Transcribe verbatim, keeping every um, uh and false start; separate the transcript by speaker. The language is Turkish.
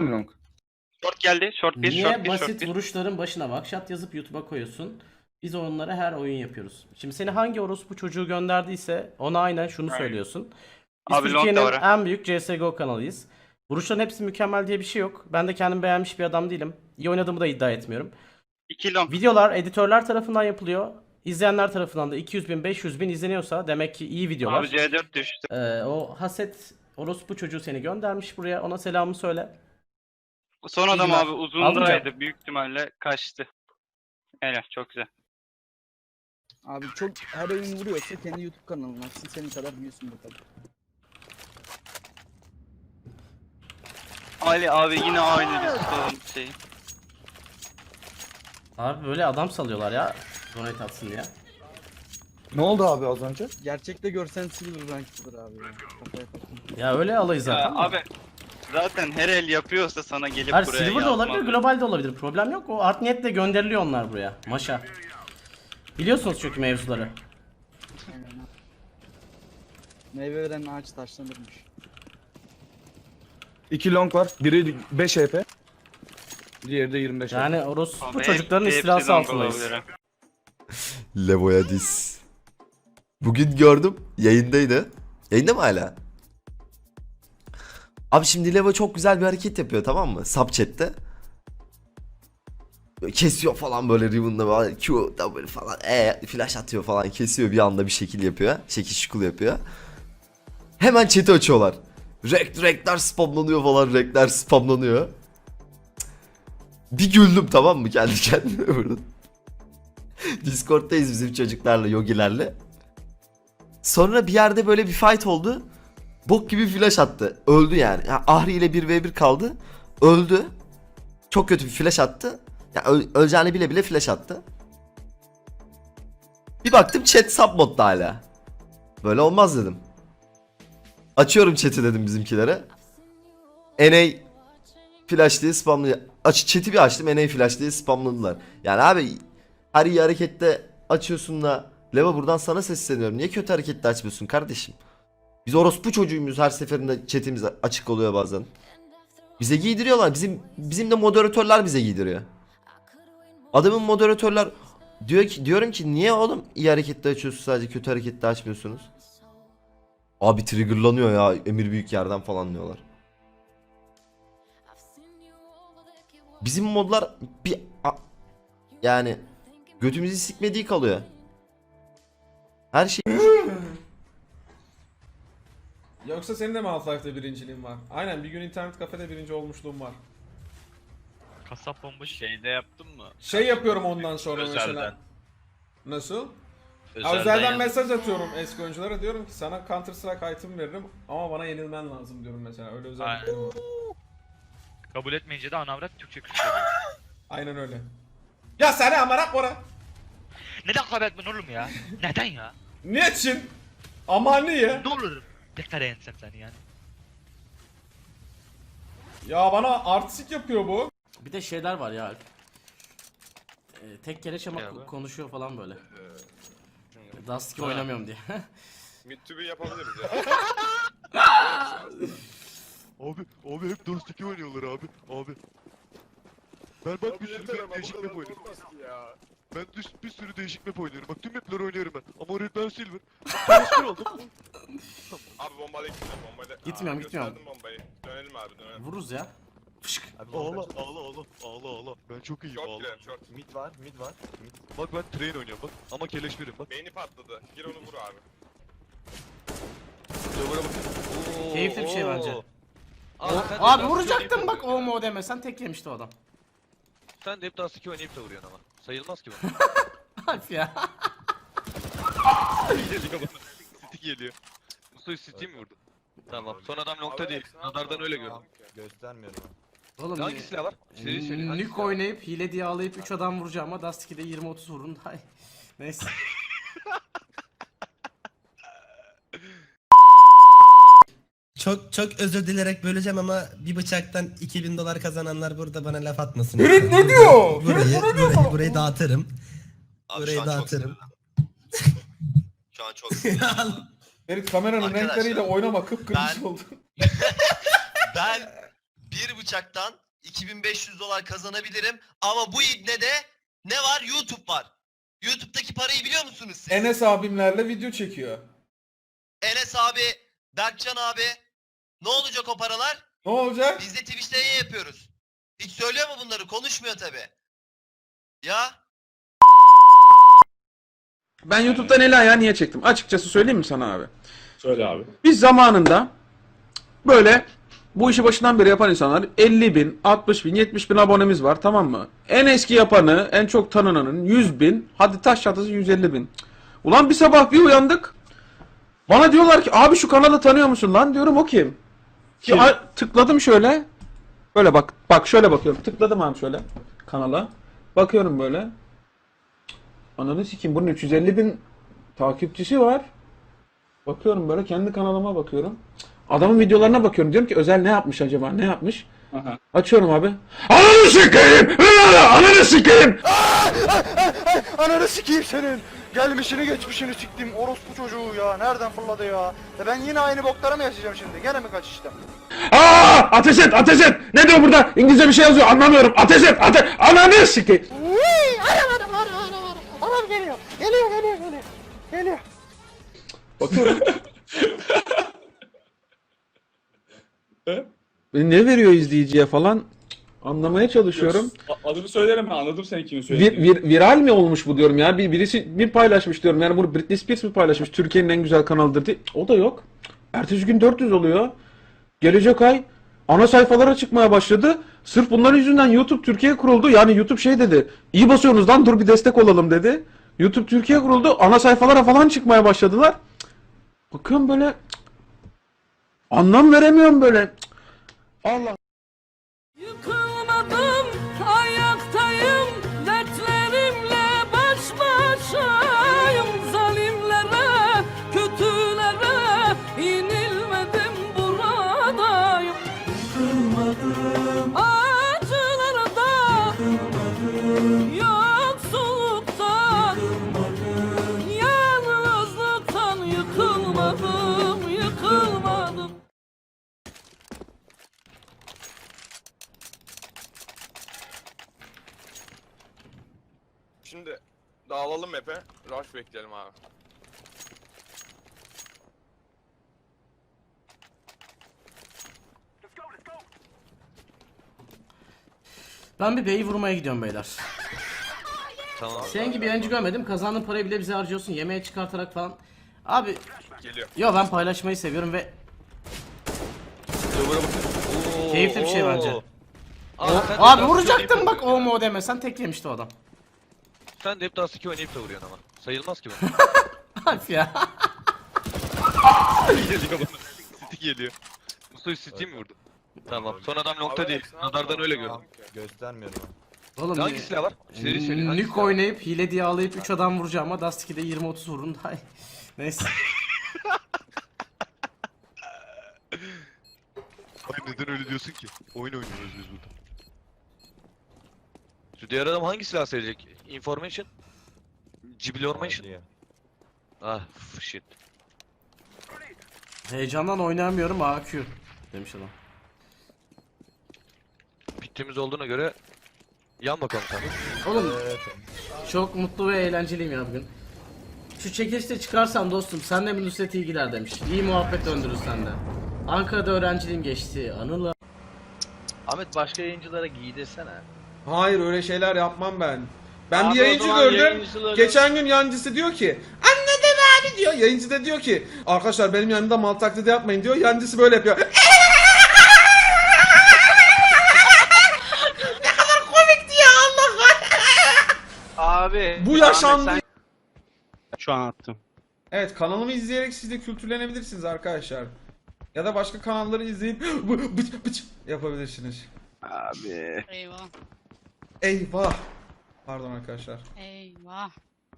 Speaker 1: Long.
Speaker 2: Short geldi. Short bir,
Speaker 3: Niye
Speaker 2: short bir,
Speaker 3: basit
Speaker 2: short bir.
Speaker 3: vuruşların başına vakşat yazıp YouTube'a koyuyorsun? Biz onlara her oyun yapıyoruz. Şimdi seni hangi orospu çocuğu gönderdiyse ona aynen şunu
Speaker 2: Aynen.
Speaker 3: söylüyorsun. Biz
Speaker 2: Abi long da
Speaker 3: Türkiye'nin
Speaker 2: var ha.
Speaker 3: en büyük C S G O kanalıyız. Vuruşların hepsi mükemmel diye bir şey yok. Ben de kendim beğenmiş bir adam değilim. İyi oynadığımı da iddia etmiyorum.
Speaker 2: iki long.
Speaker 3: Videolar editörler tarafından yapılıyor. İzleyenler tarafından da iki yüz bin beş yüz bin izleniyorsa demek ki iyi videolar.
Speaker 2: Abi C dört düştü.
Speaker 3: Ee, o haset orospu çocuğu seni göndermiş buraya. Ona selamı söyle.
Speaker 2: Son adam
Speaker 3: İyi günler.
Speaker 2: abi uzundaydı.
Speaker 3: Almayacağım.
Speaker 2: Büyük ihtimalle kaçtı. Helal, çok güzel.
Speaker 1: Abi çok her oyun vuruyorsa kendi YouTube kanalına açsın, senin kadar büyüsün bakalım.
Speaker 2: Ali abi yine aynı bir sorun şey.
Speaker 3: Abi böyle adam salıyorlar ya. Donate atsın diye.
Speaker 4: Ne oldu abi az önce?
Speaker 1: Gerçekte görsen silver rank'tır abi ya. Kafaya takın.
Speaker 3: Ya öyle alayı zaten.
Speaker 2: Ya,
Speaker 3: de.
Speaker 2: abi zaten her el yapıyorsa sana gelip
Speaker 3: Hayır,
Speaker 2: buraya
Speaker 3: Silver de
Speaker 2: yazmaz.
Speaker 3: olabilir, global de olabilir. Problem yok. O art niyetle gönderiliyor onlar buraya. Maşa. Biliyorsunuz çünkü mevzuları.
Speaker 1: Aynen ha. Meyve veren ağaç taşlanırmış.
Speaker 4: İki long var. Biri beş H P. Diğeri de yirmi beş H P.
Speaker 3: Yani orospu
Speaker 2: Abi
Speaker 3: çocukların
Speaker 2: hepsi
Speaker 3: istilası
Speaker 2: long
Speaker 3: altındayız.
Speaker 2: olabilir ha.
Speaker 5: Levo'ya diz. Bugün gördüm. Yayındaydı. Yayında mı hala? Abi şimdi Levo çok güzel bir hareket yapıyor, tamam mı? Subchat'te. Böyle kesiyor falan böyle Riven'da böyle Q, W falan. E flash atıyor falan. Kesiyor bir anda bir şekil yapıyor. Şekil şukul yapıyor. Hemen chat'i açıyorlar. Rekt rektler spamlanıyor falan. Rektler spamlanıyor. Bir güldüm, tamam mı? Kendi kendime burada. Discord'dayız bizim çocuklarla, yogilerle. Sonra bir yerde böyle bir fight oldu. Bok gibi flash attı. Öldü yani. yani Ahri ile bir ve bir kaldı. Öldü. Çok kötü bir flash attı. Yani öl öleceğini bile bile flash attı. Bir baktım chat sub modda hala. Böyle olmaz dedim. Açıyorum chat'i dedim bizimkilere. N A flash diye spamlıyor. Aç chat'i bir açtım, N A flash diye spamladılar. Yani abi her iyi harekette açıyorsun da Leva buradan sana sesleniyorum. Niye kötü harekette açmıyorsun kardeşim? Biz orospu çocuğuyuz, her seferinde chatimiz açık oluyor bazen. Bize giydiriyorlar. Bizim bizim de moderatörler bize giydiriyor. Adamın moderatörler diyor ki, diyorum ki niye oğlum iyi harekette açıyorsunuz sadece kötü harekette açmıyorsunuz? Abi triggerlanıyor ya, emir büyük yerden falan diyorlar. Bizim modlar bir a- yani götümüzü sikmediği kalıyor. Her şey
Speaker 6: Yoksa senin de mi Half-Life'de birinciliğin var? Aynen, bir gün internet kafede birinci olmuşluğum var.
Speaker 7: Kasap bombası şeyde yaptın mı?
Speaker 6: Şey yapıyorum ondan sonra
Speaker 7: Özelden.
Speaker 6: mesela. Nasıl?
Speaker 7: Özelden,
Speaker 6: Özelden, özelden
Speaker 7: yaz-
Speaker 6: mesaj atıyorum eski oyunculara, diyorum ki sana Counter Strike item veririm ama bana yenilmen lazım diyorum mesela. Öyle özelliklerim var.
Speaker 7: Kabul etmeyince de anavrat Türkçe küfür ediyor.
Speaker 6: Aynen öyle. Ya seni amara kora.
Speaker 7: Neden kabul etmen oğlum ya? Neden ya?
Speaker 6: Niçin? Ama niye?
Speaker 7: Ne olur dekare ensem seni yani.
Speaker 6: Ya bana artistik yapıyor bu.
Speaker 3: Bir de şeyler var ya Alp. Ee, tek kere ama
Speaker 7: Ne abi?
Speaker 3: konuşuyor falan böyle. Dust iki oynamıyorum diye.
Speaker 8: Mid-tübü yapabiliriz ya.
Speaker 9: Abi, abi hep Dust iki oynuyorlar abi, abi. Ben bak bir sürü
Speaker 8: yeter
Speaker 9: değişik
Speaker 8: ama bu
Speaker 9: map
Speaker 8: kadar
Speaker 9: oynuyorum.
Speaker 8: olmaz ki ya.
Speaker 9: Ben düş, bir sürü değişik map oynuyorum. Bak tüm mapleri oynuyorum ben. Ama Red Ben Silver. Transfer oldum.
Speaker 8: Abi bombayla gitmiyorum bombayla.
Speaker 3: Gitmiyorum,
Speaker 8: Aa,
Speaker 3: gitmiyorum.
Speaker 8: gösterdim bombayı. Dönelim abi dönelim.
Speaker 3: Vururuz ya. Fışk.
Speaker 9: Ağla, ağla, ağla, ağla, ağla. Ben çok iyiyim,
Speaker 8: Short
Speaker 9: ağla.
Speaker 8: girelim short.
Speaker 9: Mid var, mid var. Mid. Bak ben train oynuyorum bak. Ama keleş birim bak.
Speaker 8: Beyni patladı. Gir onu vur abi.
Speaker 9: Dövüre bakın.
Speaker 3: Keyifli bir şey bence.
Speaker 9: Abi,
Speaker 3: O-
Speaker 9: sen de
Speaker 3: abi
Speaker 9: Dust
Speaker 3: vuracaktım
Speaker 9: iki
Speaker 3: bak
Speaker 9: oynayıp da
Speaker 3: o mu demesen tek yemişti o adam.
Speaker 9: vuruyorsun. Sen de hep Dust iki oynayıp da vuruyorsun ama. Sayılmaz ki bu.
Speaker 3: Alp ya.
Speaker 9: Geliyor bana. Stick geliyor. Mustafa Stick mi vurdu? Tamam. Son adam nokta değil. Radardan öyle gördüm.
Speaker 4: Göstermiyorum.
Speaker 3: Oğlum
Speaker 9: Hangi silah var? Seri seri. hangi
Speaker 3: Nük
Speaker 9: silah var?
Speaker 3: oynayıp hile diye ağlayıp üç adam vuracağım ama Dust iki'de yirmi otuz vurun daha iyi. Neyse.
Speaker 10: Çok çok özür dilerek böleceğim ama bir bıçaktan iki bin dolar kazananlar burada bana laf atmasın.
Speaker 6: Ferit ne diyor?
Speaker 10: Burayı,
Speaker 6: Ferit ne diyor
Speaker 10: burayı,
Speaker 6: sana?
Speaker 10: burayı dağıtırım.
Speaker 11: Abi
Speaker 10: Burayı
Speaker 11: şu an çok
Speaker 10: dağıtırım.
Speaker 11: Şu an çok sinirlendim.
Speaker 6: Ferit kameranın
Speaker 11: Arkadaşlar,
Speaker 6: renkleriyle oynama, kıpkırmızı
Speaker 11: ben-
Speaker 6: oldu.
Speaker 11: Ben bir bıçaktan iki bin beş yüz dolar kazanabilirim ama bu ibnede ne var? YouTube var. YouTube'daki parayı biliyor musunuz siz?
Speaker 6: Enes abimlerle video çekiyor.
Speaker 11: Enes abi, Berkcan abi. Ne olacak o paralar?
Speaker 6: Ne olacak?
Speaker 11: Biz de Twitch'te yayın yapıyoruz. Hiç söylüyor mu bunları? Konuşmuyor tabi. Ya.
Speaker 4: Ben YouTube'dan eli ayağı niye çektim? Açıkçası söyleyeyim mi sana abi?
Speaker 8: Söyle abi.
Speaker 4: Biz zamanında böyle bu işi başından beri yapan insanlar elli bin, altmış bin, yetmiş bin abonemiz var, tamam mı? En eski yapanı, en çok tanınanın yüz bin, hadi taş çatısı yüz elli bin. Ulan bir sabah bir uyandık. Bana diyorlar ki abi şu kanalı tanıyor musun lan? Diyorum o kim? Ki, a- tıkladım şöyle. Böyle bak, bak şöyle bakıyorum. Tıkladım abi şöyle kanala. Bakıyorum böyle. Ananı sikeyim, bunun üç yüz elli bin takipçisi var. Bakıyorum böyle, kendi kanalıma bakıyorum. Adamın videolarına bakıyorum. Diyorum ki Özel ne yapmış acaba? Ne yapmış?
Speaker 8: Aha.
Speaker 4: Açıyorum abi. Ananı sikeyim! Ananı sikeyim!
Speaker 1: Ananı sikeyim senin. Gelmişini geçmişini siktim orospu çocuğu ya. Nereden fırladı ya? Ya ben yine aynı boklara mı yaşayacağım şimdi? Gene mi kaçıştım?
Speaker 4: Aa! Ateş et! Ateş et! Ne diyor burada? İngilizce bir şey yazıyor. Anlamıyorum. Ateş et! Ateş! Ananı sikeyim!
Speaker 1: Uy! Adam adam adam adam adam. Adam geliyor. Geliyor geliyor geliyor. Geliyor.
Speaker 4: Bakıyorum. Beni ne veriyor izleyiciye falan anlamaya çalışıyorum.
Speaker 8: Adını söylerim ben, anladım sen kimin
Speaker 4: Vir, vir- viral mi olmuş bu diyorum ya. Bir, birisi bir paylaşmış diyorum. Yani bunu Britney Spears mi paylaşmış? Türkiye'nin en güzel kanalıdır diye. O da yok. Ertesi gün dört yüz oluyor. Gelecek ay ana sayfalara çıkmaya başladı. Sırf bunların yüzünden YouTube Türkiye kuruldu. Yani YouTube şey dedi. İyi basıyorsunuz lan, dur bir destek olalım dedi. YouTube Türkiye kuruldu. Ana sayfalara falan çıkmaya başladılar. Bakıyorum böyle. Anlam veremiyorum böyle. Allah.
Speaker 12: Yıkılmadım, ayaktayım, dertlerimle baş başayım. Zalimlere, kötülere yenilmedim, buradayım. Yıkılmadım, acılarda, yıkılmadım, yoksulluktan, yıkılmadım, yalnızlıktan yıkılmadım, yıkılmadım.
Speaker 8: Şimdi dağılalım map'e. Rush bekleyelim abi.
Speaker 3: Ben bir beyi vurmaya gidiyorum beyler.
Speaker 9: Tamam.
Speaker 3: Senin gibi yayıncı görmedim. Kazandığın parayı bile bize harcıyorsun. Yemeğe çıkartarak falan. Abi
Speaker 8: Geliyor.
Speaker 3: yo ben paylaşmayı seviyorum ve keyifli bir şey bence.
Speaker 9: Abi, sen de
Speaker 3: Abi
Speaker 9: Dust
Speaker 3: vuracaktım
Speaker 9: iki
Speaker 3: bak
Speaker 9: oynayıp da
Speaker 3: o mu demesen tek yemişti o adam.
Speaker 9: vuruyorsun. Sen de hep Dust iki oynayıp da vuruyorsun ama. Sayılmaz ki bu.
Speaker 3: Abi ya.
Speaker 9: Geliyor bana. City geliyor. Mustafa City mi vurdu? Tamam. Son adam nokta değil. Radardan öyle gördüm.
Speaker 11: Göstermiyorum.
Speaker 3: Oğlum
Speaker 9: Hangi silah var? Seri seri. hangi
Speaker 3: Nük
Speaker 9: silah var?
Speaker 3: oynayıp hile diye ağlayıp üç adam vuracağım ama Dust iki'de yirmi otuz vurun daha iyi. Neyse.
Speaker 9: Abi neden öyle diyorsun ki? Oyun oynuyoruz biz burada. Şu diğer adam hangi silah seçecek? Information? Cibilormation? Ah shit.
Speaker 3: Heyecandan oynayamıyorum A Q demiş adam.
Speaker 9: Bittiğimiz olduğuna göre yan bakalım tabii.
Speaker 3: Oğlum çok mutlu ve eğlenceliyim ya bugün. Şu çekilişte çıkarsam dostum sen de bir Nusret iyi gider demiş. İyi muhabbet döndürür sende. Ankara'da öğrenciliğim geçti. Anılar.
Speaker 7: Ahmet başka yayıncılara giy desene.
Speaker 6: Hayır öyle şeyler yapmam ben. Ben
Speaker 7: Abi
Speaker 6: bir
Speaker 7: o
Speaker 6: yayıncı
Speaker 7: zaman
Speaker 6: gördüm.
Speaker 7: yayıncıları-
Speaker 6: Geçen gün yancısı diyor ki anladım abi diyor. Yayıncı da diyor ki arkadaşlar benim yanımda mal taklidi yapmayın diyor. Yancısı böyle yapıyor. Ne kadar komikti ya Allah.
Speaker 7: Abi.
Speaker 6: Bu yaşandı.
Speaker 7: Ahmet,
Speaker 8: Şu an attım.
Speaker 6: Evet kanalımı izleyerek siz de kültürlenebilirsiniz arkadaşlar. Ya da başka kanalları izleyip bıç bıç yapabilirsiniz.
Speaker 8: Abi.
Speaker 12: Eyvah,
Speaker 6: Eyvah. Pardon arkadaşlar.
Speaker 12: eyvah.